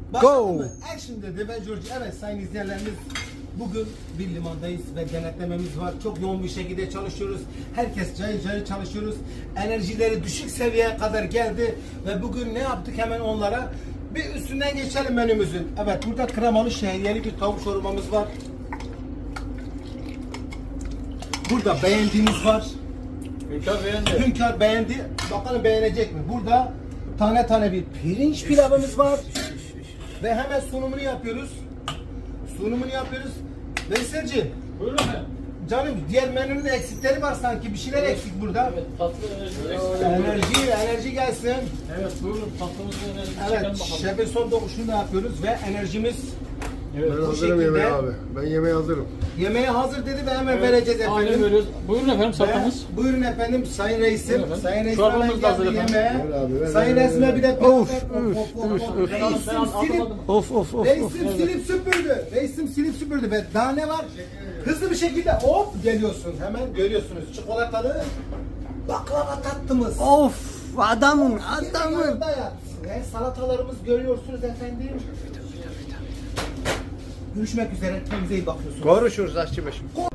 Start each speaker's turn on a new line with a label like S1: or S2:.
S1: Go!
S2: Action dedi ve George. Evet sayın izleyenlerimiz, bugün bir limandayız ve denetlememiz var. Çok yoğun bir şekilde çalışıyoruz. Herkes cayır cayır çalışıyoruz. Enerjileri düşük seviyeye kadar geldi ve bugün ne yaptık hemen onlara? Bir üstünden geçelim menümüzün. Evet, burada kremalı şehriyeli bir tavuk çorbamız var. Burada beğendiğimiz var.
S3: Hünkar beğendi.
S2: Hünkar beğendi. Bakalım beğenecek mi? Burada tane tane bir pirinç pilavımız var. Ve hemen sunumunu yapıyoruz. Veyselciğim,
S3: Buyurun efendim.
S2: canım diğer menünün de eksikleri var sanki. Bir şeyler eksik burada.
S3: Evet, tatlı enerji eksik.
S2: Enerji gelsin.
S3: Evet, buyurun tatlımızı enerji çekelim
S2: Evet,
S3: bakalım.
S2: şefin son dokunuşunu da yapıyoruz ve enerjimiz
S3: Evet.
S1: Ben
S2: bu
S1: hazırım
S2: şekilde.
S1: yemeğe abi. Ben yemeğe hazırım.
S2: Yemeğe hazır dedi ve hemen
S3: Evet,
S2: vereceğiz
S3: aynen
S2: efendim.
S3: veriyoruz. Buyurun efendim
S2: Ve
S3: salatamız.
S2: buyurun efendim sayın reisim.
S3: Buyurun efendim.
S2: Sayın reisim
S3: Çorbamız
S2: hemen
S3: da hazır
S2: geldi
S3: efendim.
S2: yemeğe.
S1: Ver abi, ver,
S2: Sayın
S1: ver,
S2: reisime
S1: ver.
S2: bir de
S1: Of,
S2: Reisim silip Reisim silip süpürdü ve daha ne var? Hızlı bir şekilde hop geliyorsun. Hemen görüyorsunuz çikolatalı baklava tatlımız.
S1: Of adamın
S2: Yanında yat. Ve salatalarımız görüyorsunuz efendim. Görüşmek üzere. Kendinize iyi bakıyorsunuz.
S1: Konuşuruz aşçı başım.